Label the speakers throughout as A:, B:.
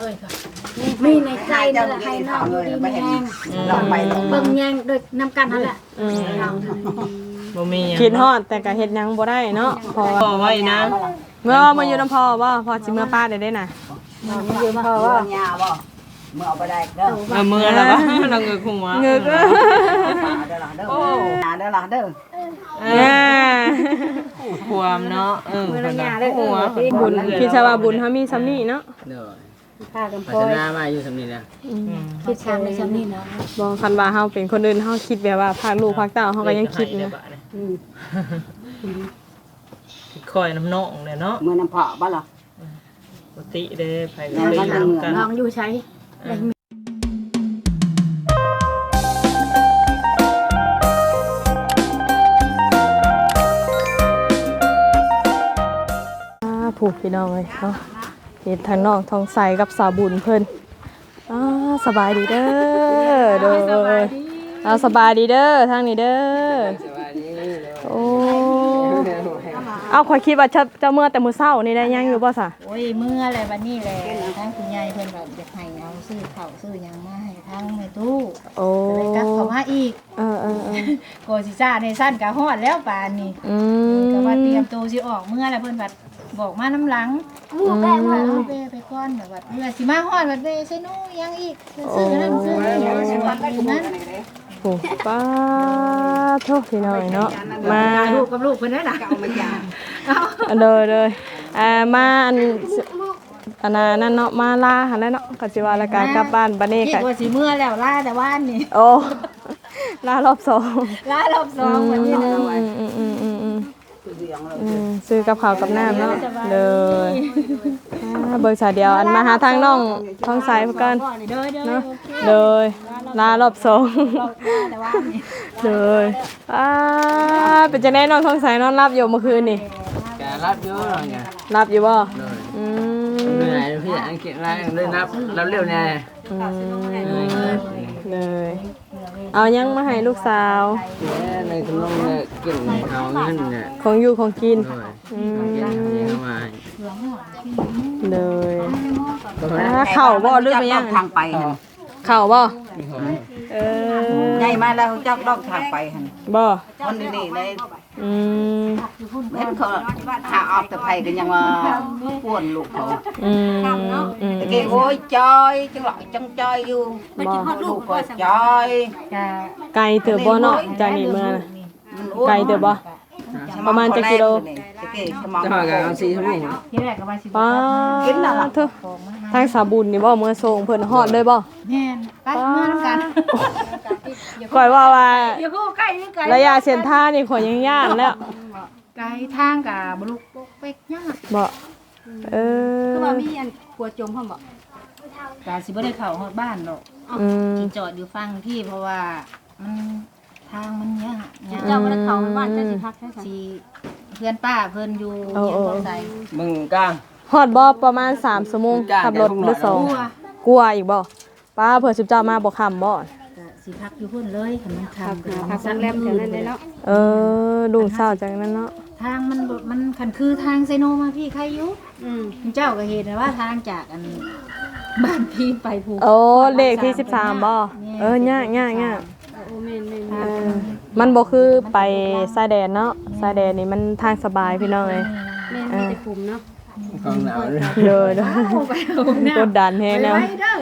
A: มีในใจนั่นแหละให้น้องอยู่ดีมีแห้งเบิ่งแยงโดยนำกันนั่นแหละ
B: บ่มีหยัง
C: คิดฮอดแต่ก็เฮ็ดหยังบ่ได้เนาะพอ
B: พอไว้นะ
C: เมื่อมาอยู่น้ำพอบ่พอสิเมื่อป้าได้นะ
A: อยู่พอว่า
D: nhàบ่เมื่อเอาไปได้เด้อ
B: มือแล้วบ่เราเงือกหัว
C: เงือก
D: เด้อล่ะเด้อเด้อล่ะเด้อ
B: ความเนาะเพิ่นน่ะหัว
C: บุญคิดซะว่าบุญเฮามีซ้ำนี้เนาะ
E: เด้อ
A: พากัน
E: พั
A: พอ
E: ฒนามาอยู่สำนี้นะ
A: คิดทางในชั้นนี้นะ
C: บ่คันว่าเฮาเป็นคนอื่นเฮาคิดแบบว่าพากลูกพากเต้าเฮาก็ยังคิดนะ
B: คอยน้ำนองเนี่ยเนาะ
D: เมื่อน้ำเพาะบ่ล่ะ
B: ปกติเด้ไปก็ไปนํกัน
A: น้องอยู่ใช้
C: ผูกพี่น้องเลยเนาะเห็นทางน้องทองใสกับสาวบุญเพิ่นสบายดีเด้อเด้อสบายดีเด้อทางนี้เด้อโอ้เอาข่อยคิดว่าจะเมื่อแต่มื้อเช้านี่ได้ยังอยู่บ่ซะ
F: โอ้ยเมื่ออะไรวันนี้แหละทั้งคุณยายเพิ่นแบบอยากให้เอาซื้อข้าวซื้อหยังมาให้ทั้งแม่ตู้
C: โอ้
F: ก็เลยกลับเข้ามาอีก โกสิซ่าในสั้นก็ฮอดแล้วป่านนี้ก็ว่าเตรียมตัวสิออกเมื่อแล้วเพิ่นบัดบอกมาน้ำหลังว่าเอาไปก่อนแบบว่าเมื่อสิมาฮอดบัดเด้ใส่หนูยังอีกซื้อนั่นซื้อนี่สิว่าไปนั้น
C: โอ้ป้าโทษพี่น้อยเนาะมา
F: ลูกกับลูกเพิ่นนั่นน่ะ
C: เลยมาอันนั้นเนาะมาลาหันแล้วเนาะก็สิว่าละกากลับบ้านบัดนี้
F: คิ
C: ก็
F: ดว่าสิเมื่อแล้วลาแต่ว่านนี่
C: โอ้ลารอบสอง
F: ลารอบ2วันนี้นะ
C: ซื้อกับข้าวกับน้ำเนาะเลยเบอร์สายเดียวอันมาหาทางน้องท้องสายเพื่อน
F: เด้อ
C: เนาะเลยลารอบสอง
F: แต่ว่านนี่
C: เลยเป็นจะแน่น้องท้องสายนอนรับอยู่เมื่อคืนนี่
E: แกรับเยอะหน่อยไง
C: รับอยู่บ่
E: เหนื่อยพี่อังกฤษอะไรเลยนับรับเร็วแน่
C: เลยเอายังมาให้ลูกสาว
E: ในขนมเนี่ยกินเอาเงินเนี่ย
C: ของอยู่ของกิน
E: ด้วยกินเข้ามา
C: เลยเข่าบ่หรือไม่ยัง
D: ทางไปหั่น
C: เข่าบ่
D: ใหญ่มาแล้วจักดอกทางไปหั่น
C: บ่
D: คนนี้เลย
C: เ
D: เห็นเขาหาออกแต่ไผก็ยังว่าป่วนลูกเขาตะกี้โอ้ยจอยจังหลอยจังจอยอยู่มันกินฮอดลูกก็จอย
C: ไกลเถอะบ่เนาะจากนี่เมื่อน่ะไกลเถอะบ่ประมาณจักกิโล
D: ตะกี้สมอง
E: จะหากันเอา4ชั่วโมง
F: ที่แรกก็ว่าสิ
C: ป้าเถอะทางสาบุญนี่บ่เมื่อส่งเพิ่นฮอดเลยบ่
F: แม่นไปเมื่อน้ำกัน
C: ก่อยว่า
F: อย่าพูดใกล้นี่ไกล
C: ระยะเส้นทางนี่ขอยยังย่านแล้ว
F: ไกลทางกับบลูกเป๊กยาก
C: บ่อ
A: คือว่ามีอันกลัวจมพ่อมบ่
F: กาสิบ่ได้เข้าฮอดบ้านหรอก
C: ม
F: จอดอยู่ฟังพี่เพราะว่ามันทางมันยาก
A: เจ้าบ่ได้เข้าบ้านเจ้าสิพักใช่ซั่น
F: สิเพื่อนป้าเพิ่นอยู่เฮียนบ่ใส่
E: มึงกลาง
C: ฮอดบ่ประมาณ3ชั่วโมงขับรถหรือ2กลัวอีกบ่ป้าเผื่อสิเจ้ามาบ่ค่ำบ่
F: ก็สิพักอยู่พุ่นเลยคันมันทาง
A: พักโรงแรมแถวนั้นเลยเนาะ
C: ลุงเศร้าจากนั้นเนาะ
F: ทางมันคันคือทางไซโนมาพี่ใครอยู่เจ้าก็เห็นว่าทางจากอันบ้านพี่ไปภู
C: โอ้เลขที่13บ่ยาก
A: โอ้แม่น
C: มันบ่คือไปชายแดนเนาะชายแดนนี่มันทางสบายพี่น้องเอ้ย
A: แม่มีแต่กลุ่มเนาะ
E: ของหนาวเลย
C: เด้อกดดันแฮงแนว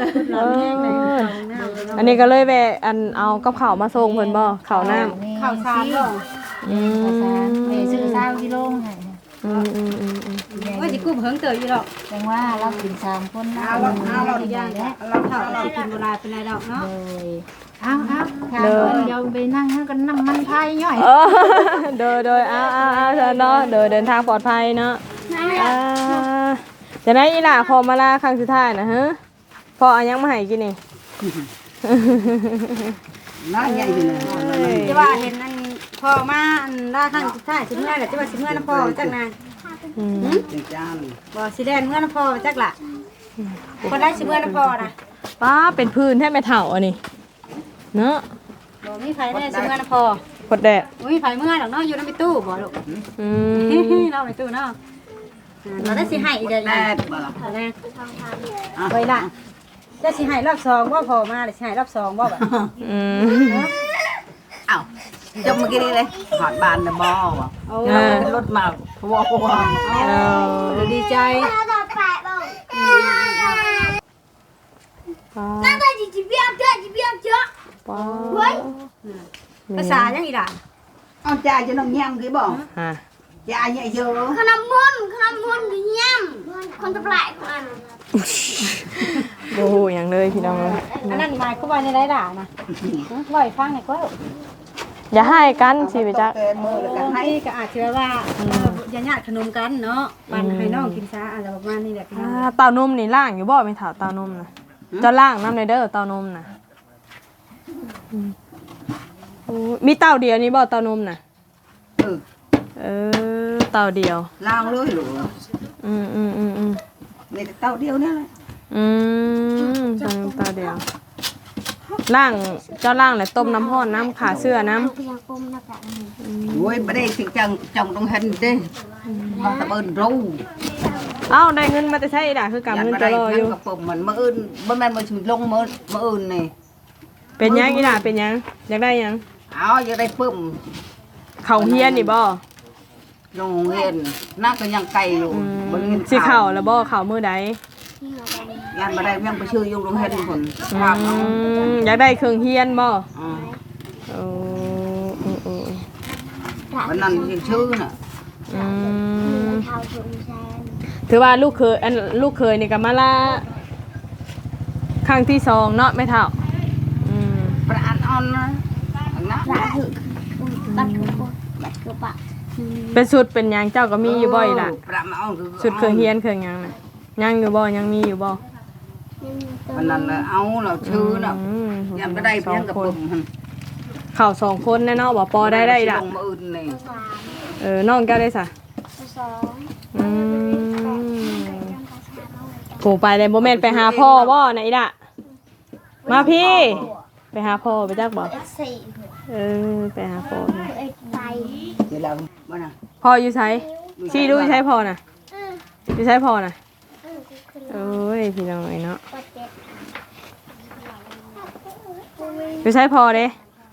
C: อันนี้ก็เลยแวะอันเอากับข้าวมาส่งเพิ่นบ่ข้าวน้ำ
F: ข้าวสารข้าวสารซื้อ20กิโลให้
A: ว่าสิกุ้มเฮิงเตยอยู่ดอก
F: แปลว่าเรากิน3คนนะ
A: เราอีกอย่างแล้วเราสิกินโบราณเป็นไรดอกเนาะ
F: เอาเดี๋ยวไปนั่งกันน้ำมันพายย่อย
C: โดยเอาเนาะเดินทางปลอดภัยเนาะจะได้อีหล่าพอมาลาครั้งสุดท้ายนะฮะพอเอายังมาให้กินนี่
D: น้าใหญ่อยู่นะ
A: จะว่าเห็นอันพ่อมาอันล่าข้างสุดท้ายสิเมื่อแหละจะว่าสิเมื่อน้ำพ่อจักนาน
D: จังจาน
A: บ่สิแดนเมื่อน้ำพ่อจักล่ะคนได้สิเมื่อน้ำพ่อนะ
C: ป้าเป็นพื้นให้แม่เฒ่าอันนี้เนาะ
A: บ่มีไผได้สิเมื่อน้ำพ่อก
C: ดแดด
A: บ่มีไผเมื่อดอกเนาะอยู่ในตู้บ่ลูกเราไปตู้เนาะเราได้สิให้อีกเด้อ
D: แน่บ่ล่ะ
A: เอาแน่ไว้ล่ะจะสิให้รอบ2บ่พอมาเลยสิให้รอบ2บ่บัด
C: อืม
D: เอ้าจมเมื่อกี้นี่เลยหอดบานน่ะบ่บ่
A: โอ้
D: รถมาพัว
A: เราดีใจ
C: ป้า
A: ภาษายังอีหล่ะ
D: เอาจ่ายจะน้องแย้มกี่บ่
C: ฮะ
D: จ่ายเยอะ
G: ขนมมุนหรือย่ำคนจะแปลกมัน
C: โอ้โหอย่างเลยพี่น้องเอ้ย
A: อันนั้นหมายความว่าในไรด่านะบ่อยฟังหน่อยก็
C: อย่าให้กันสิไปจัก
D: แกมือแล้วก็ให้
A: ให้ก็อาจจะว่าญาติขนมกันเนาะปันให้น้องกินซะอะไรประมาณนี้แหละพี่น้อง
C: เต้านมนี่ล่างอยู่บ่ไม่ถามเต้านมนะจะล่างน้ำในเด้อเต้านมนะโอ้มีเต้าเดียวนี่บ่เต้านมนะเต้าเดียว
D: ล้างเลยหรือ
C: อืม
D: ในเต้าเดียวนี่แหละ
C: เต้าเดียวล่างเจ้าล่างแล้วต้มน้ำร้อนน้ำขาเสื้อน้ำ
G: เพียงกุมนักแบบนี้
D: โอ้ยไม่ได้สิจังจังตรงเห็นเด้มาตะเบินรู้
C: เอ้าได้เงินมาจะใช้ด่าคือกำเงินจะรออยู่
D: กับผมมันมาอื่นบ่แม่นมาชุลงมาอื่นนี่
C: เป็นยังอีด่าเป็นยังอยากได้ยัง
D: เอาอย่าได้ปึ้ม
C: เขาเฮียนนี่บ่
D: โรงเรียนน่าก็ยังไกลอยู่บ่เรียน
C: สิเข่าแล้วบ่เข่ามือใด
G: ที่เราไป
D: ยันบ่ได้ยังไปชื่ออยู่โรงเรียนคน
C: อยากได้เครื่องเฮียนบ่
D: อืม
C: โอ้
D: วันนั้นยังชื่อน่ะ
G: เท้าชมแซน
C: ถือว่าลูกเคยนี่ก็มาละครั้งที่2เนาะไม่เท่า
D: ประอันอ่อนนะนะ
G: พระถึกบัดคือคนบัดคือปะ
C: เป็นสุดเป็นหยังเจ้าก็มีอยู่บ่อยล่ะ
D: ประมาณคือ
C: สุดเครื่องเฮียนเครื่องหยังน่ะยังอยู่บ่ยังมีอยู่บ่
D: วันนั้นเอาเราชื่อน่ะยังบ่ได้เพียงกับผมหั่น
C: เข่า2คนแน่เนาะบ่ปอได้ล่ะ
D: ลงมาอื่นนี่
C: น้องแก้วได้ซะ
G: สอง
C: โผไปเลยบ่แม่นไปหาพ่อบ่ไหนล่ะมาพี่ไปหาพ่อไปจักบ่
G: สี่
C: ไปหาพ่อ
G: เอ็กไป
D: เดี๋ยวเราบ่น่ะ
C: พ่ออยู่ไสชี้ดูอยู่ไสพ่อน่ะอยู่ไสพ่อน่ะโอ้ยพี่น้องเนาะ
G: ปัดเจ็ด
C: อยู่ไสพ่อเด้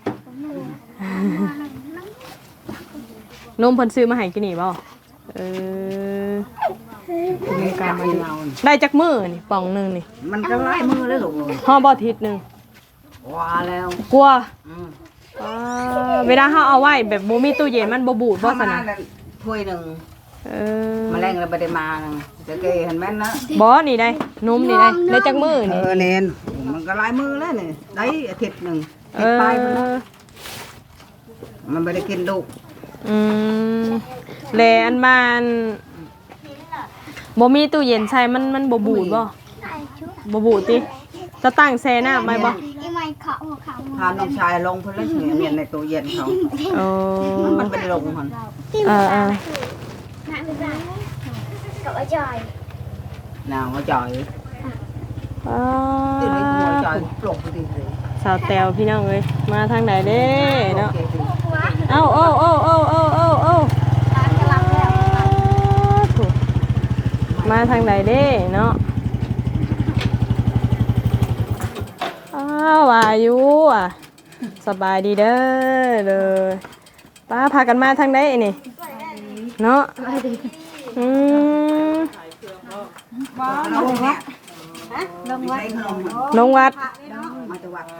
C: นมเพิ่นซื้อมาให้กินนี่บ่มีการมาได้จักมื้อนี่ป่องนึงนี่
D: มันก็ไล่มือแล้วลูก
C: ห่อบ่ทิศนึง
D: ว่าแล้ว
C: กลัว
D: อืม
C: เวลาเฮาเอาไว้แบบบ่มีตู้เย็นมันบ่บูดบ่ซั่นน่ะ
D: ถ้วยหนึง
C: เอ
D: แมลงเราบ่ได้มานะจะเกเห็นแม่นนะ
C: บ่นี่ได้นมนี่ได้จักมื้อนี่
D: เนนมันก็ไล่มือแล้วนี่ได้อาทิตย์หนึง
C: เอ
D: ติดปลายมันนะ
C: อ
D: มันบ่ได้กินดุ
C: แลอันมันบ่มีตู้เย็นใช้มันบ่บูดบ่บ่บูดติจะตั้งแช่น้ำไว้บ่
G: อีไม่เขาหัวเขา
D: พาน้องชายลงเพิ่นเลยเมียนในตู้เย็นเขา
C: โอ้
D: มันเป็นลงหั่น
C: เออ
G: หน้าไม่ได้กับไอ้จอย
D: น่าว่าจ่อย
C: อ๋อ
D: ตื่นไปหัวจ่อยปลุกไปดิ
C: สาวแตวพี่น้องเอ้ยมาทางไหนเด้เนาะ
D: โอเค
C: เอ้าถูกมาทางไหนเด้เนาะอ้าวอายุอ่ะสบายดีเด้อเลยป้าพากันมาทางไหนนี่เนาะ
D: ลงวัด
C: ลงวัด
D: มาจากวัด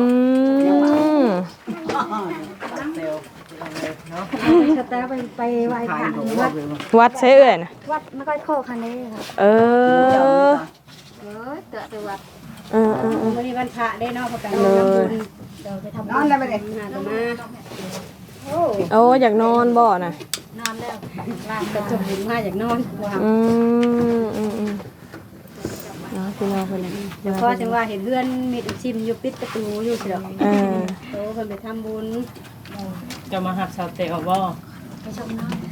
A: สแตลไปไหว้พ
D: ขาย
A: ระ
D: ของ
A: วัด
C: วัดใช่เอ่ยนะ
G: วัดไม่ค่อยโคคันนี้ค่ะ
C: เออ
G: เตะวัด
A: วันนี้วันพระได้เนาะพอไปทำบุญเดี๋ยวไปทำ
D: น
A: บุ
D: อน
A: ญ
D: แล้วไปเด็ก
A: งานจะมา
C: โอ้อยากนอนบ่น่ะ
A: นอนแล้วลากกระจกบุญมาอยากนอนว่า
C: เนาะพี่น้องคนนี้
A: เดี๋ยวพอจังว่าเห็นเพื่อนมีดชิมอยู่ปิดประตูอยู่เฉยโตเพิ่นไปทำบุญ
B: จะมาหักสาวเตะบ่
A: ไปชมน้อง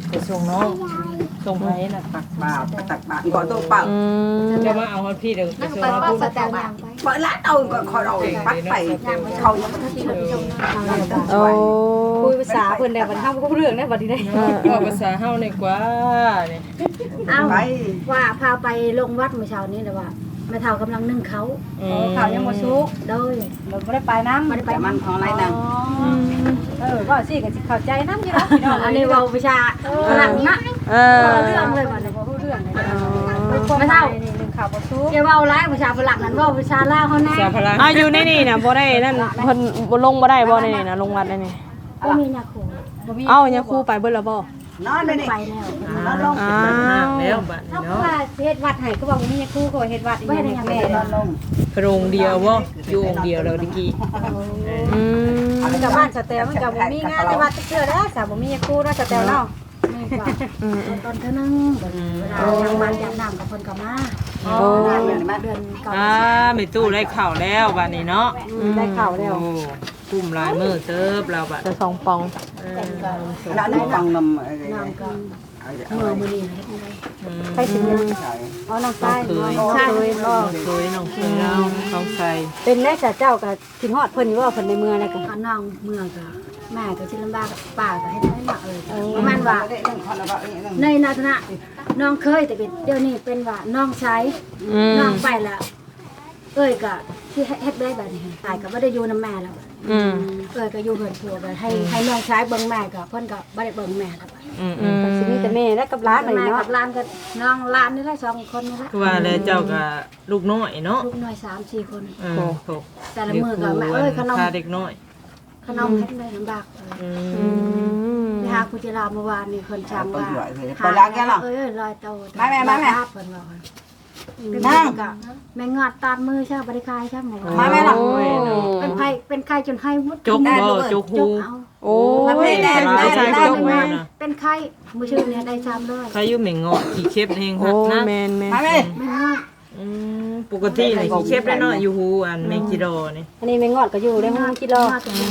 B: ไปส่งน้องส่งไผน่ะ
D: ตักบาตรตักบาตรก่อนตัวเปล่า
B: จะมาเอาฮอดพี่เด้อไปส่ง
F: ไป
B: น้อง
F: ว่า
B: พูด
F: สแตลยังไป
D: เปิดร้านเอาก็ขอเราปัดไปเขายังไม่ทันที่เรา
C: โอ้
A: คุยภาษาเพิ่นได้บัดเฮาบ่รู้เรื่องได้บัดนี้ได้
B: ว่าภาษาเฮานี่กว่านี่
F: เอา
D: ไป
F: ว่าพาไปลงวัดเมื่อเช้านี้เลยว่าแม่เฒ่ากำลังนึ่งเขา
A: ข่าวยังบ่สุก
F: โดย
A: เราบ่ได้ไปนำ
F: บ่ได้ไป
D: มันของอะไรนั่ง
A: ก็สิก็สิเข้าใจนำอยู่เนาะพี่น้อง
F: อันนี้เว้าวิชาฝรั่งนะ
C: เออ
F: เรื่องเลยว่าเนี่ย
A: บ่รู้เรื่องเลย
F: ไม่เท่า
A: นี่นึงข่าวบ่สุก
F: อย่าเว้าหลายวิชาฝรั่งนั้นเว้าวิชาลาวเฮาแน่
B: ภาษาพลัง
C: อยู่ในนี่น่ะบ่ได้นั่นเพิ่นบ่ลงบ่ได้บ่ในนี่น่ะลงวัดได้นี่
F: บ่มียาคู
C: เอ้าเนี่ยครูไปเบิดแล้วบ่
D: นอนเลยนี่
F: ไปแล้ว
D: นอนลง
C: อ้า
B: แล้ว
C: ว
B: บัดนี้
A: เนาะ
B: เนาะ
A: ว่าเฮ็ดวัดให้ก็บอกมีครูก็เฮ็ดวัดอีก
F: ไม่ได้
A: แม่
F: ยัง
A: แม่
F: ไง
D: นอนลง
B: พระองค์เดียวบ่อยู่องค์เดียวแล้วตะกี้
C: อืม
A: มันกับบ้านสแตลมันก็บ่มีงานในวัดเทื่อแล้วสาวบ่มีครูเนาะสแตลเนาะ
F: ไม่กว่าตอนเท่านึงเวลายังมันยังน้ำกับคนกับมา
C: โอ้
F: เดือนเก่า
B: แม่ตู้ได้ข้าวแล้วบัดนี้เนาะ
A: ได้ข่าวแล้ว
B: โอ้กุ้มลายมือเติบเราบัด
C: จะ2ปอง
D: แล้วนี่ฟังนำอะไร
F: น้ำกับมือนี่เฮ็ดอะไร
A: ไปสิเอาน้องชาย
B: เคย
A: น้องเคยบ่
B: เคยน้องเคยเราต้องใส่
A: เป็นได้จ้ะเจ้าก็คิดฮอดเพิ่นอยู่ว่าเพิ่นในเมืองน่ะก็
F: ก็น้องเมื่อกับแม่ก็ชิลำบากป้าก็ให้ได้หนักเลยประมาณว่าในนาธนะน้องเคยแต่เดี๋ยวนี้เป็นว่าน้องใช้น้องไปแล้วเอ้ยก็ที่เฮ็ดได้แบบนี้ตายก็ไม่ได้อยู่น้ำแม่แล้ว
C: อืม
F: เอ้ยก็อยู่เหินผัวแบบให้น้องใช้เบิ่งแม่ก็เพิ่นก็บ่ได้เบิ่งแม่แล้ว
A: ก็สิมีแต่แม่และกับหลานนี่
F: แม่
A: เนาะ
F: กับหลานก็น้องหลานนี่แหละ2คนนี่แหละ
B: คือว่าแล้วเจ้าก็ลูกน้อยเนาะ
F: ลูกน้อย3-4คน
B: โถ
F: แต่ละมื้อก็แม่เอ้ยขนม
B: พาเด็กน้อย
F: ขนมเฮ็ดได้ลำบากไปหาคุจิราเมื่อวานนี่เพิ่นจำว่าเอ้ยลอยโตเพิ่นว่านั่งก็แม่งอดตาดมือใช่บ่ได้คายใช่หมอ
D: มาแม่ล่ะ
F: เป็นไข้จนให้หมด
B: จกบ่จกหู
F: เอา
C: โอ้
D: ไม่ได้
C: ได้ใช้
F: ได้
C: จก
F: แม่
C: แม่
F: เป็นไข้มื้อชื่อเนี่ยได้300
B: ใครอยู่เหม่งเงาะขี้เข็บเฮง
C: โอ้
B: นะ
C: แม่น
D: มาแม่
F: แม่งอด
B: ปกตินี่ขี้เข็บได้เนาะอยู่หูอันแมงจีโดนี่
A: อันนี้แม่งอดก็อยู่ได้ห้องคิดรอ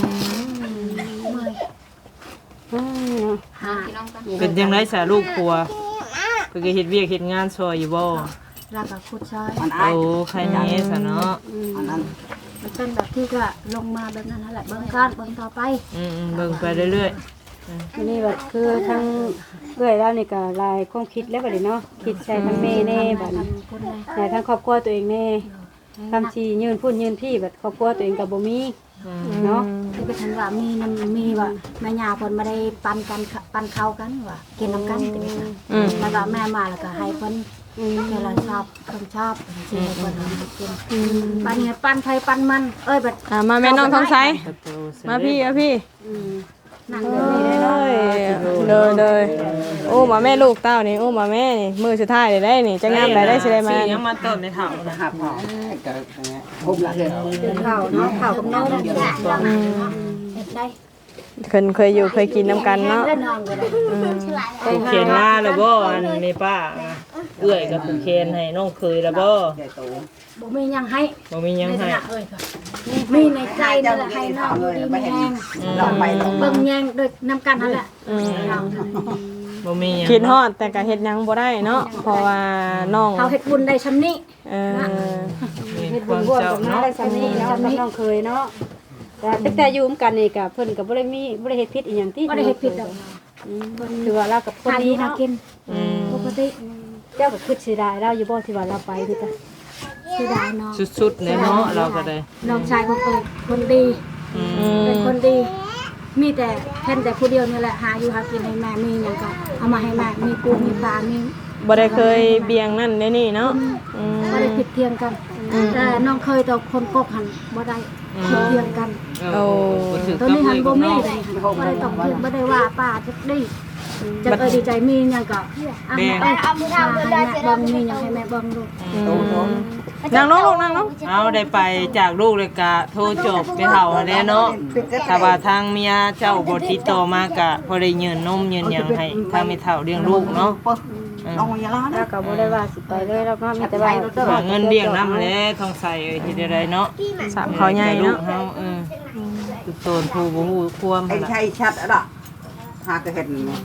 F: หา
B: เป็นจังได๋ซะลูกผัวเพิ่นก็เฮ็ดเวียกเฮ็ดงานซอยอยู่บ่
F: แล้วก็ขุดซอย
D: มันอาย
B: โอ้ใครนี่ซะเนาะ
D: อันนั้น
F: มันเป็นแบบที่ก็ลงมาแบบนั้นนั่นแหละเบิ่งกันเบิ่งต่อไป
B: เบิ่งไปเรื่อย
A: อันนี้แบบคือทั้งเอื้อยแล้วนี่ก็ลายความคิดแล้วบัดนี้เนาะคิดใส่ทั้งแม่แน่บัดนี้
F: คนเลย
A: ใส่ทั้งครอบครัวตัวเองแน่ทำชียืนพูดยืนพี่แบบครอบครัวตัวเองก็บ่มีเนาะ
F: ที่ไปทันว่ามีว่าแม่ย่าเพิ่นบ่ได้ปันกันปันข้าวกันว่ากินน้ำกันติดแล้วก็แม่มาแล้วก็ให้เพิ่นเวลาชอบเพิ่นชอบสิให้เพิ่นกินปันเนี่ยปันไผปันมันเอ้ยบัด
C: มาแม่น้องทองใส
B: ๆประตู
C: มาพี่มาพี่
F: นั่ง
C: เอ
F: เดี๋ยวนี้ได้เนาะ
C: ้ยโอ้มาแม่ลูกเต้านี่โอ้มาแม่นี่มือสุดท้ายได้นี่จะงามได้สิได้มา
B: สิยังมาต้นในเฒ่านะ
D: หับหอมผมละเห็น
A: กินข้าวเนาะข้าวกับนม
F: เฮ็ดได้
C: เคยอยู่เคยกินน้ำกันเนาะ
F: ได้นอนก็ได้
B: ผูกเคนมาแล้วบ่อันนี้ป้าเอื้อยกับผูกเคนให้น้องเคยแล้วบ่
D: ใหญ่โต
F: บ่มีหยังให้
B: บ่มีหยัง
F: ใน
B: ให้
F: ฐานะเอ้ยค่ะมีในใจนั่นแหละให้น้องอยู่ดีมีแรง
D: ลองไปลอง
F: เบิ่งแยงโดยน้ำกันนั่นแหละ
B: บ่มีหยัง
C: คิดฮอดแต่ก็เฮ็ดหยังบ่ได้เนาะเพราะว่าน้อง
F: เขาเฮ็ดบุญได้ชำนี้
C: เออ
B: มีความ
A: ร่วม
B: เจ้า
A: กันมา
B: เนาะ
A: ได้ซ้ำนี้เนาะกับน้องเคยเนาะแต่อยู่ร่วมกันนี่ก็เพิ่นก็บ่ได้เฮ็ดผิดอีหยังที่
F: บ่ได้เฮ็ดผิดดอก
A: คือว่าเรากับคน
F: หาอ
A: ดี
F: ยู่หา
A: เนาะ
F: กินปกติ
A: เจ้าก็คือสิได้เราอยู่บ่ที่ว่าเราไปคือกัน
F: สิได้น้อง
B: สุดๆเลยเนาะเราก็ได้
F: น้องชายของเอ้ยคนดีเป็นคนดี มีแต่แค่แต่ผู้เดียวนี่แหละหาอยู่หากินให้แม่มีหยังก็เอามาให้แม่มีปูมีปลามี
C: บ่ได้เคยเบียงนั่นได้นี่เนาะ
F: บ่ได้ผิดเทียงกัน แต่น้องเคยต่อคนกบหันบ่ได้ผิดเทียงกัน
C: โอ้
F: ตัวนี้หันบ่มีเลยบ่ได้ต้องเทียงบ่ได้ว่าป้าจักดีจักดีใจมีหยังก็เอามือเท้าเลยได้เบิ่งมีหยังให้แม่เบิ่งดู
C: นั่งลงลูกนั่งลง
B: เอาได้ไปจากลูกเลยกะโทรจบไปเฒ่าแล้วเนาะถ้าว่าทางเมียเจ้าบ่ติดต่อมากะพอได้ยืนนมยืนหยังให้ทางแม่เฒ่าเลี้ยงลูกเนาะ
D: ลองอย่าล้อ
A: เรา
D: นะ
A: ก็บ่ได้ว่าสิไปเลยเราก็มีแต่ว่า
B: หาเงินเลี้ยงนำแหละทองใส่เฮ็ดได้เนาะ
C: สามเขาใหญ่
B: ลู
C: เนาะ
B: กเฮาตุกโตนผู้บ่ฮู้ความ
D: ไอ้
B: ล่ะ
D: ชัยชัดอ่ะหากระเห็น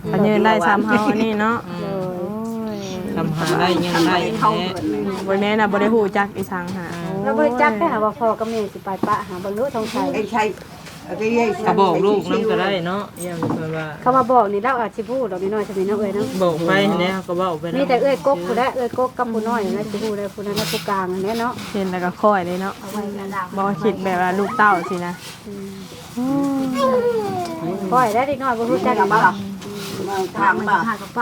C: อันยืนได้ซ้ำเฮาอันนี้เนาะ
B: ทำหาได้ยังได้แท้
C: บ่แม่น่ะบ่ได้ฮู้จักอีสังหา
A: แล้วบริจักได้หาว่าพ่อกับแม่สิไปปะหาบรรลุทองชัย
D: ไอ้ใช่ไอ้ยัย
B: ก็บอกลูกน้ำก็ได้เนาะอย่างเพิ่นว่า
A: เขามาบอกนี่เราอาจสิพูดดอกน้อยๆจะมีน้องเอ้ยเนาะ
B: บอกไปเนี่ยก็เว้าไป
A: นี่แต่เอ้ยกกผู้ใดเอ้ยกกกับผู้น้อยนะสิพูดได้ผู้นั้นและผู้กลางอันนี้เนาะ
C: เห็นแล้วก็ค่อยเลยเนาะบ่คิดแบบว่าลูกเต้าสินะ
A: ปล่อยได้เด็กน้อยบ่รู้จักกับบ่ล่ะ
D: ทางบ่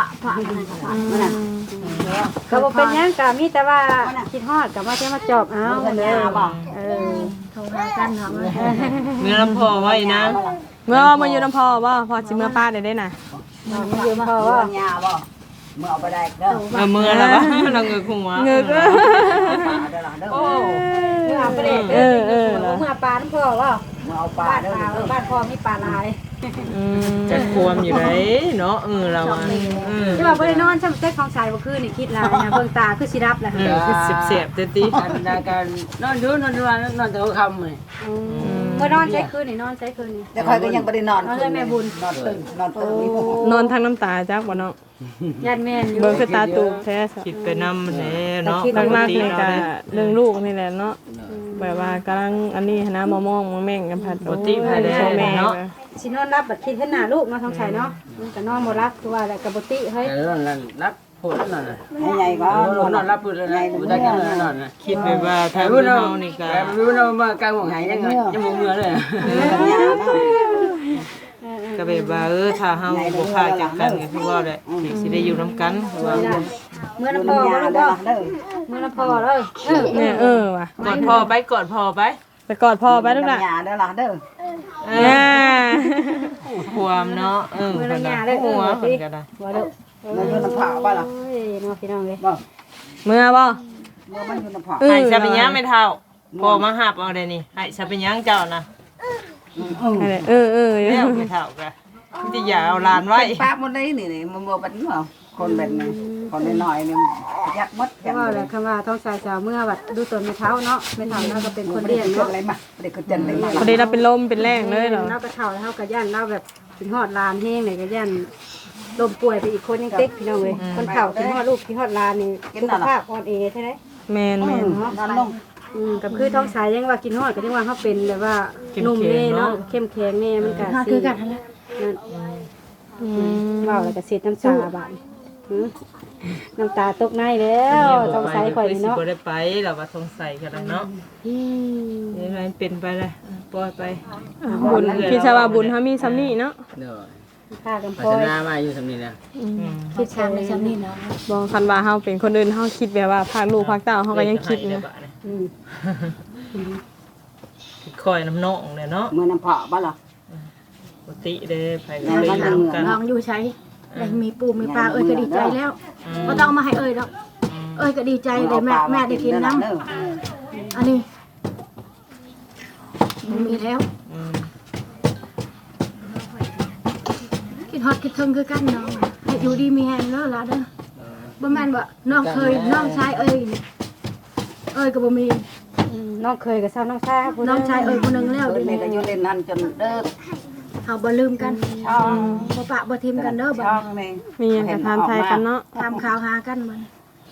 A: ก็บ่เป็นหยังก็มีแต่ว่าคิดฮอดก็มาเที่ยวมาจอบเอาเด้อเออ
F: โทรหากันเนาะ
B: เมื่อลำพอไว้นะ
C: เมื่อมาอยู่น้ำพอบ่พอสิเมื่อป้าได้น่ะ
A: มันอยู่พ่อว่า
D: ญาบ่เมื่อเอาไปได้เด้อ
B: เมื่อแล้ววะเราเงือกหัว
C: เงือก
D: เด้อเด้อ
B: โอ้
A: เมื่อไปเด้เมื่อปลาน้ำพ่อว่า
D: เมื่อเอาปลา
A: บ้าน
D: เด้อ
A: ปลาบ้านพ่อมีปลาลาย
B: จะควมอยู่ไหนเนาะเราอ่ะ
A: ใช่ป่ะบ่ได้นอนซ้ำเต็กของชายบ่คือนี่คิดลายนะเบิ่งตาคือสิรับแหละ
B: คือเสียบเต็มที่
E: การนอนดูนอนดูนอนแต่หัวค่ำเลย
A: เมื่อนอนใช้คืนนี่นอนใช้คืนนี่
D: แต่คอยก็ยังบ่ได้นอน
A: นอนเลยแม่บุญ
D: นอนตื่นนอนตื่น
C: นอนทั้งน้ำตาจักบ่เนาะ
A: ญาติแม่นอยู่
C: เบิ่งคือตาตูบแท้ซะ
B: คิดไปนำเลยเนาะ
C: หลักๆนี่ก็เรื่องลูกนี่แหละเนาะแบบว่ากำลังอันนี้นะมามองมาแม่งกันพัด
B: ปกติภายใน
C: แม่
B: เนาะ
A: สินอนรับบัดคิดเห็นหน้าลูกเนาะท้องชายเนาะมันก็นอนบ่รับคือว่าแหละก็บ่ติเฮ้ย
E: แต่นอนรับพูดนอน
D: ใหญ่ก็
E: นอนรับพูดเลยนะพูดได้กันนอนนะ
B: คิดไปว่าถ้า
E: พูด
B: เรา
E: เรา
B: นี่ก็
E: พูดเรามากลางหัวหายยังไงยังมือมือเลย
B: ก็แบบว่าถ้าเฮาบ่พาจากกันก็คือว่าแหละสิได้อยู่นํกันว่า
A: เมื่อน้ำพ่อบ่ลูกบ่เมื่อน้ำพ่อเลย
C: เนี่ยว่ะ
B: กอดพ่อไปกอดพ่อไป
C: ไปกอดพ่อไปลูกน่ะ
D: ญาเด้อล่ะเด้อ
B: ความเนาะเพิ่นน่ะหัวเพิ่นก็ได้
A: บ่ลูก
D: มันอยู่น้ำผาบ่ล่ะ
A: โอ้ยเนาะพี่น้องเอ้ย
D: บ่
C: เมื่อบ่
D: เมื่อมันอยู่น้ำผา
B: ให้ซะเป็นหยังไม่เท่าพ่อมาหับเอาได้นี่ให้ซะเป็นหยังเจ้านะ แล้วไม่เท่ากันที่อย่าเอาลานไว้
D: ป้าหมดเลยนี่มันบ่บัดนี้คนแบบนี้คนน้อยๆนี่ยักมด
A: เพราะว่าแหละคำว่าท้องชายสาวเมื่อบัดดูตนไม่เท้าเนาะไม่เท้าเราก็เป็นคนเลี้ยง
D: เนาะ
A: เนาะ
D: อะไรมาเด็กก็จันเลยมา
C: พอดีเราเป็นลมเป็นแรงเลยเหรอ
A: เราก็เท่าแล้วก็ย่านเราแบบถึงฮอดลานแห้งเลยก็ย่านลมป่วยไปอีกคนยังเต็กพี่น้องเลยคนเฒ่าถึงฮอดลูกที่ฮอดลานนี่สุขภาพอ่อนแอใช่ไหม
C: แมน
D: นอนลง
A: กับคือท้องชายยังว่ากินฮอดก็ยังว่าเขาเป็นแบบว่านุ่มแน่เนาะเข้มแข็งแน่มันก็คือกันนั่นว้าวแล้วก็เสียน้ำตาบาดน้ำตาตกในแล้วท้องชายข่อยนี่เนาะ
B: บ่ได้ไปเราว่าสงสัยกันแล้วเนาะยังไงเป็นไปเลยปล่อยไป
C: บุญพี่ชาวาบุญเขามีซ้ำนี่เนาะ
E: เด้อ
A: ค่ากันพ
E: พั
A: อ
E: ฒ
A: ย
E: นามาอยู่สำนีนะ
A: คิดช้างในชั้นนี้เนาะ
C: บอกคันว่าเฮาเป็นคนอื่นเฮาคิดแบบว่าพากลูกพากเต้าเฮาก็ยังคิดนะ
B: คอยน้ำนองเนี่ยเนาะ
D: เมื่อน้ำผาบ่ล่ะ
B: ปกติเด้ไปก็เลยทำกัน
F: ลองอยู่ใช้ได้มีปูมีปลาเอ้ยก็ดีใจแล้วบ่ต้องมาให้เอ้ยดอกเอ้ยก็ดีใจเลยแม่ได้กินน้ำอันนี้มีแล้วคิดฮอดคิดถึงคือกันน้องให้อยู่ดีมีแฮงเด้อล่ะเด้อบ่แม่นว่าน้องเคยน้องชายเอ้ยก็บ่มี
A: น้องเคยกับสาวน้องชาย
F: น้องชายเอ้ยคนนึงแล้ว
D: เด็กก็อยู่เล่นนั่นจนเด้อ
F: เฮาบ่ลืมกันบ่ปะบ่ทิมกันเด้อบ่
D: ช่องนี่
C: มีหยังก็ทานไทยกันเนาะ
F: ตามข่าวหากันมัน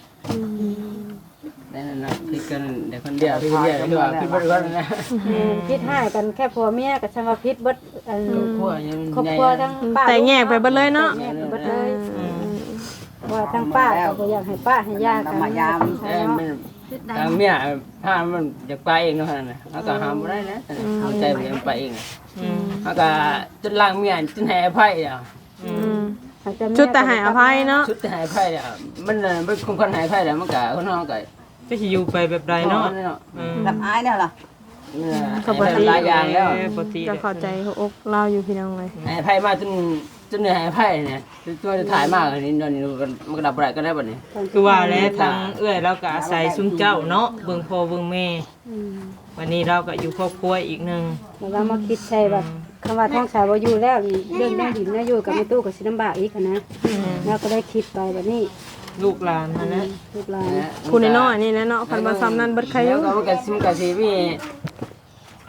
E: นั่นนะพิกันเด็กคนเดียวพี่เดียวดีกว่าพี่บริวารนะ
A: พิษให้กันแค่ผัวเมียกับชาวพิษเบิด
E: พวกยัง
A: ครอบครัวทั้งป้า
C: แต่แยกไปเบิดเลยเนาะ
A: แยกไปเบิดเลยว่าทั้งป้าก็บ่อยากให้ป้าให้ย่ากัน
D: มายาม
E: มันทางเมียถ้ามันอยากไปเองเนาะนะเขาก็ห้ามไม่ได้นะเขาใจมันไปเองเขาก็จนล่างเมียจนแห่ไพ่อ่ะ
C: ชุดแต่ให้อภัยเนาะ
E: ชุดแห่ไพ่อ่ะมันเป็นคนแห่ไพ่แล้วมันก็คนน้องก็
B: ก็สิอยู่ไปแบบใดเนาะ
D: รับอายเนี่ยล่ะ
E: หลายอย่างแล้ว
B: ปกติ
C: ก็เข้าใจหัวอกเราอยู่พี่น้องเลย
E: แห่ไพ่มาจนเหนื่อยแห่ไพ่เนี่ยตัวจะถ่ายมากนี่นอนนี่มันก็ดับอะไรก็ได้แบบนี้
B: คือว่าแล้วทางเอื้อยเราก็อาศัยซุมเจ้าเนาะเบิ่งพ่อเบิ่งแม่วันนี้เราก็อยู่ครอบครัวอีกนึง
A: เรามาคิดใช่แบบคำว่าท้องชายบ่อยู่แล้วเรื่องได้ดินนะอยู่กับแม่ตู้ก็สิลำบากอีกนะเราก็ได้คิดไปแบบนี้
B: ลูกหลานนะ
A: ลูกหลาน
C: ผู้น้อยๆนี่นะเนาะคันว่าซ้ำนั้นเบิดใครอยู่
E: แล้วก็มันก็สิมี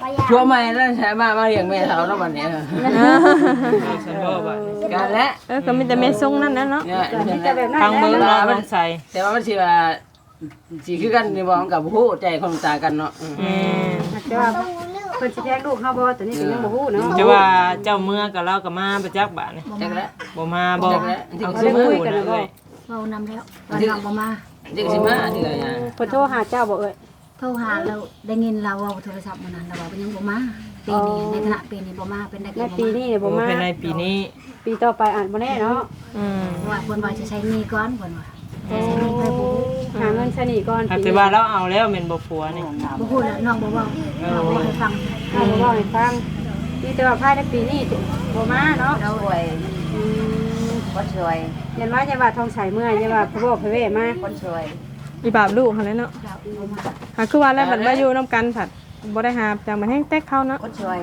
E: ชัวร์ใหม่แล้วใช่มาเลี้ยงแม่เฒ่าเนาะบัดนี้
B: ฉันบ่ว่า
E: กันและ
C: ก็มีแต่แม่ทรงนั่นแหละเนาะ
E: เนี่ย
A: ที่จะแบบนั้น
B: ทางเมืองเนาะต้องใส่
E: แต่ว่ามันสิว่าสิคือกันนี่บ่มันก็บ่ฮู้ใจคนตากันเนาะ
A: แต่ว่าเพิ่นสิแทงลูกเฮาบ่ตัวนี้ก็ยังบ่ฮู้เนาะ
B: จะว่าเจ้าเมืองกับเราก็มาประจักษ์บาดนี่
E: จักแล้ว
B: บ่มาบ่
E: จักแล้ว
B: เอาซื้อมือกันเลย
F: เว้านำแล้ววันน้องบ่มา
E: จักสิมาที่ก็ยัง
A: เพิ่นโทรหาเจ้าบ่เอ่ย
F: โทรหาเราได้ยินเราเว้าโทรศัพท์มื้อนั้นเราว่าเป็นยังบ่มาปีนี้ในฐานะปีนี้บ่มาเป็นได้
A: ใน
F: ก็บ่
A: ปี
F: มา
A: นี้เนี่ยบ่มา
B: เป็นในปีนี้
A: ปีต่อไปอ่านบ่แน่เนาะ
F: ว่าเพิ่นว่าจะใช้หนี้ก่อนเพิ่นว่าใช้หนี้ไปบ่
A: หาเงินซะนี่ก่อน
B: แต่ว่าเราเอาแล้วแม่นบ่ผัวนี่
F: บ่พูดแล้วน้องบ่เว้าน้องบ่ให้ฟัง
A: เอาบ่เว้าให้ฟังนี่แต่ว่าภายในปีนี้บ่มาเนาะ
D: สวยคนสวย
A: ยันว่าจะว่าทองใสเมื่อยจะว่าพะบ่พะเวมา
D: คนสวย
C: อีบาบลูกหั่นแหละเนาะหาคือว่าแล้วบัดมาอยู่นํกันผัดบ่ได้หาจังมันแห้งแตกเข้าเนาะ
D: คนสวย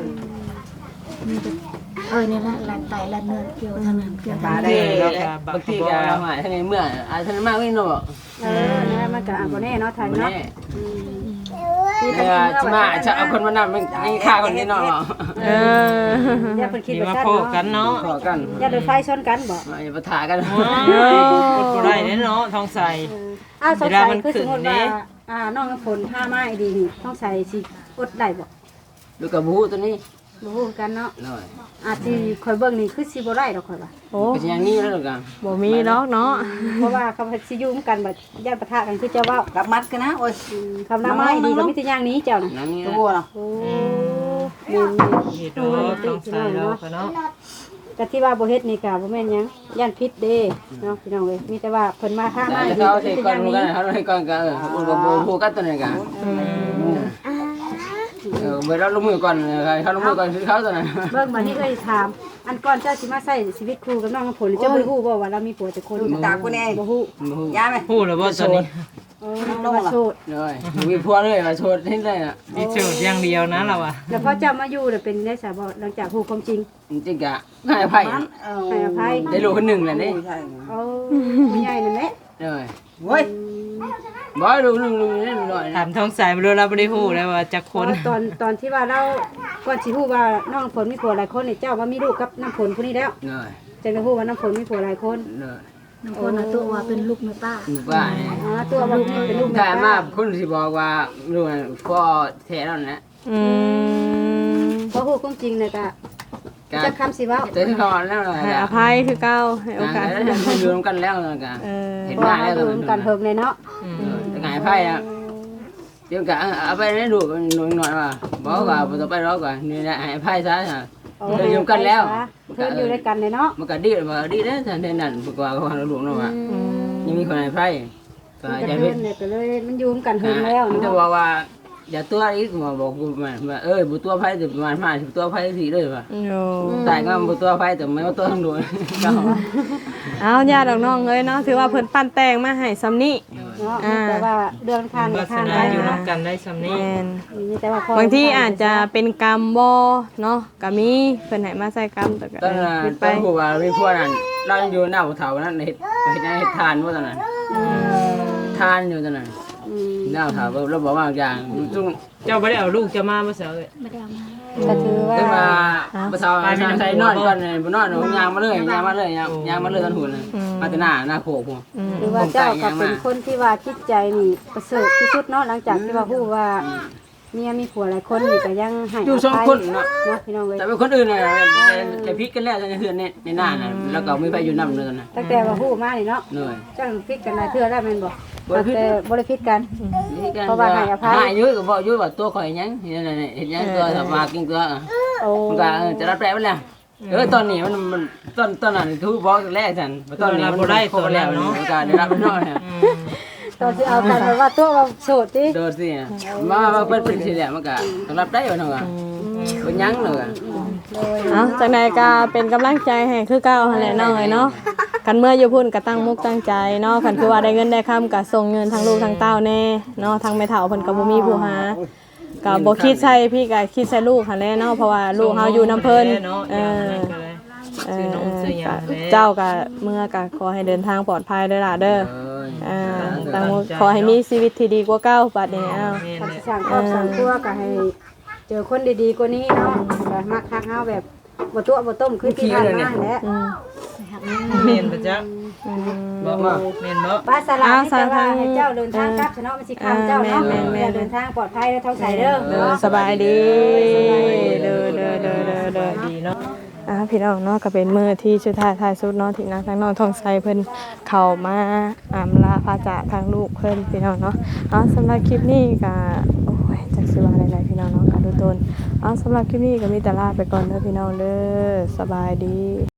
F: นี่แหละลานไตลานเนื้อเกี่ยวทางนั้นเกี่ยวทาง
E: บาง
F: นั้น
E: ทีบางทีก็หายทั้งในเมื่ออาจจะมากไม่เนาะ
A: นะมันก็อ่านบ่แน่เนาะไทย
E: บ่
A: เนาะ
E: แน่เนี่ยสิมาจะเอาคนมานำมันให้ค่าคนนี้เนาะ
A: อย่าเพิ่นคิด
B: นี่
A: ว่า
B: มา
A: ซั่น
B: โพกกัน
A: เนาะ
B: เนาะ
E: ขอกัน
A: อย่าโดนไฟชนกันบ่
E: อย่าปะทะกัน
B: กดบ่ได้เด้เนาะทองใส
A: อ้าวสง
B: เวลา
A: สัย
B: มัน
A: คือสมมุติ
B: ขึ้น
A: ว่า
B: นี่
A: น้องน้ำฝนถ้ามาดีนี่ต้องใส่สิอดได้บ่
E: ดูกับบูตัวนี้
A: บ่ฮู้กันเนาะ
E: หน่อย
A: อาจสิข่อยเบิ่งนี่คือสิบ่ได้ดอกข่อยว่า
C: โอ้
E: ก็อย่างนี้แล้วกัน
C: บ่มีดอกเนาะ
A: เพราะว่าเขาสิอยู่กันบ่ย่านปะทะกันคือเจ้าเว้า
D: กับมัดกันนะโอ้ย
A: คำนำไม้ดีก็มีแต่อย่างนี้เจ้าน่ะ
E: อย่างนี้
D: ตัวเนาะ
A: โอ้แม่น
B: นี่โดทองใสเราก็เนาะ
A: ก็ที่ว่าบ่เฮ็ดนี่ก็บ่แม่นหยังย่านพิษเด้เนาะพี่น้องเอ้ยมีแต่ว่าเพิ่นมาท่ามา
E: แต่
A: ดี
E: เขา
A: ก็
E: เท
A: มี
E: ก่
A: แต่
E: อน
A: อย่าง
E: กั
A: นี้
E: นเขาให้ก่อนกันอุปโภคกันตัวนี้กันเมื่อเราลงมือก่อนเขาลงมือก่อนคือเขาตัวนั้น
A: เบิ่งบัดนี้เอ้ยถาม อันก่อนเจ้าสิมาใช้ชีวิตคู่กับน้องน้ำฝนเจ้าบ่ฮู้บ่ว่าเรามีผัวแต่คน
D: ตากูแน่
A: บ่ฮู้
D: ยาไหม
B: พูดแล้วบ่ตอนนี้
A: เออเราว่าโสด
E: เลยมีพัวเลยมาโชดที่ได้น่ะ
B: มีโจทย์อย่างเดียวนะเราอ่ะ
A: แล้วพอเจ้ามาอยู่น่ะเป็นได้ซะบ่หลังจากฮู้ความจริง
E: จริงๆกะให้อภัย
A: ให้อภัย
E: ได้ลูกคนหนึ่งเลยนี่
A: โอ้ผู้ใหญ่นั่นแหละ
E: เลย
D: โว้ย
E: บ่ลูกหนึ่งนี่หน่อย
B: ถามทองใสบ่รู้เราบ่ได้ฮู้แล้วว่าจักคน
A: ตอนที่ว่าเราก่อนสิฮู้ว่าน้องน้ำฝนมีผัวหลายคนนี่เจ้าว่ามีลูกกับน้ำฝนผู้นี้แล้ว
E: เลย
A: จังได้ฮู้ว่าน้ำฝนมีผัวหลายคน
E: เลย
F: น้องคนน่ะตัวว่าเป็นลูกแม่ป้า
E: ว่า
A: อ๋อตัวว่านี่เป็นลูก
E: กาย
A: แม่
E: มา
A: ป้า
E: คนที่บอกว่าลูกพ่อแท้แล้วนะ
A: พอฮู้ความจริงน่ะก็จักคำสิเว้า
E: เจอที่เขาแล้วนะ
C: ให้อภัยคือเก่าให้โอกาส
E: แล้วอยู่กันแล้วกัน เห็น
A: เพราะ
E: มา
A: ว่า
E: แล้ว
A: เราดูกันเฮิงเลยเนาะ
E: ไงไพ่อะเดี๋ยวกะเอาไปให้ดูหน่อยว่าบอกว่าต่อไปรอก่อนนี่แหละไอ้ไพ่ซะ เดี๋ยวอยู่กันแล้ว
A: เพิ่นอยู่ด้วยกันเลยเนาะ
E: มันก็ดีมันก็ดีนะท่านนั่นปกว่าเขาหลวงเนาะว่ายังมีคนไอ้ไพ่ก็
A: มัน
E: จะ
A: ก็
E: เป็
A: เพิ่
E: น
A: นเนี่ยก็เลยมันอยู่กันเฮิงแล้ว
E: จะ
A: เนาะ
E: บอกว่าอย่าตัวอีกมาบอกกูมาบุตัวไพ่แต่ประมาณ50ตัวไพ่ทีเลยว่ะ
C: โอ้
E: แต่ก็บุตัวไพ่แต่ไม่ว่าตัวทั้งดวง
C: เอาญาติน้องเอ้ยเนาะถือว่าเพิ่นปั้นแต่งมาให้ซำนี้
A: เนาะแต่ว่าเรื่องทาน
B: วา
A: กับ
B: ส
A: ทาน
B: นา
A: ได้
B: อยู่
A: นะ
B: นำกันได้ซำนี้
C: แม่น
A: มีแต่ว่าพ
C: บางทีอาจจะเป็นกรรมบ่เนาะก็มีเพิ่นให้มาใส่กรรมแต่ก็
E: ตอนนั้น
C: เป็น
E: ต
C: ไป
E: อนผู้ว่ามีพวกนั้นเราอยู่หน้าเถานั้นเฮ็ดทานว่าตอนนั้นทานอยู่ตอนนั้นหน้าเถาเราบอกว่าอย่างจุ่ง
B: เจ้าบ่ได้เอาลูกจะมาบ่เสียเอ้ย
F: ไม่ได้เอามา
A: ก็ถือว่า
E: ขึ้นมาภาษาใส่นอนก่อนเลยบ่นอนยางมาเลยยางมาเลยยางมาเลยตอนหุ่นมาแต่หน้าโขก
A: หรือว่าเจ้าก็เป็นคนที่ว่าจิตใจนี่ประเสริฐที่สุดเนาะหลังจากที่ว่าฮู้ว่าเมียมีผัวหลายคนนี่ก็ยังให้
E: อยู่สองคนเนาะ
A: เนาะพี่น้องเว้ย
E: แต่เป็นคนอื่นน่ะแต่พิษกันแล้วในเฮือนในหน้าน่ะแล้วก็ไม่ไปอยู่นำเลยนะ
A: ตั้งแต่ว่าฮู้มานี่เนาะ
E: เหนื่อย
A: จังพิดกันหลายเทื่อแล้วแม่นบ่ตั้งแต่บ่ได้พิดกัน เพราะว่าให้อภัย
E: หายยุ่ยก็บอกยุ่ยว่าตัวข่อยยังเห็นยังตัวสมากินตัว
A: โอ้
E: มันก็จะรับแปลไปแล้วตอนนี้มันตอนนั้นคือบอกแรกฉันตอนนี้มันบ่ได้ตัวแล้วเนาะก็ได้รับเนาะ
A: ตอนที่เอากันแบบว่าตัวว่าโสดติ
E: โดดสิมาเป็นสิแหละมันก็ต้องรับได้เนาะก็บ่ยังเนาะ
C: เอาจากใดก็เป็นกำลังใจให้คือเก่าหั่นแหละน้องเอ้ยเนาะกันเมื่ออยู่พุ่นก็ตั้งมุกตั้งใจเนาะคันคือว่าได้เงินได้ค่ำก็ส่งเงินทั้งลูกทั้งเต้าแน่เนาะทั้งแม่เฒ่าเพิ่นก็บ่มีผู้หาก็บ่คิดใส่พี่ก็คิดใส่ลูกหั่นแหละเนาะเพราะว่าลูกเฮาอยู่นํเพิ่น
B: ซื้อนมซื้อหยังแล้ว
C: เจ้าก็เมื่อก็ขอให้เดินทางปลอดภัยเด้อล่ะเด้อตั้งมุกขอให้มีชีวิตที่ดีกว่าเก่าบัดนี้อ้าว
A: ทำสร้างครอบสร้างครัวก็ให้เจอคนดีๆกว่านี้เนาะแบบมักฮักเฮาแบบบ่ตัวบ่ต้มคือที่ผ่านมาแหละ
B: เมนบ่จ๊ะบอกว่าเมนบ่
A: ป้าสลาที่จะว่าให้เจ้าเดินทางกลับเนาะมันสิคํเจ้าเนาะเดินทางปลอดภัยแล้วท้องใสเด้อ
C: สบายดีเด้อ
B: ดีเนาะ
C: พี่น้องเนาะก็เป็นมื้อที่สุดท้ายสุดเนาะที่นางทางน้องทองไสเพิ่นเข้ามาอำลาพระจากทางลูกเพิ่นพี่น้องเนาะสำหรับคลิปนี้ก็โอ้ยจักสิว่าอะไรพี่น้องเนาะก็ดูตนสำหรับคลิปนี้ก็มีแต่ลาไปก่อนเด้อพี่น้องเด้อสบายดี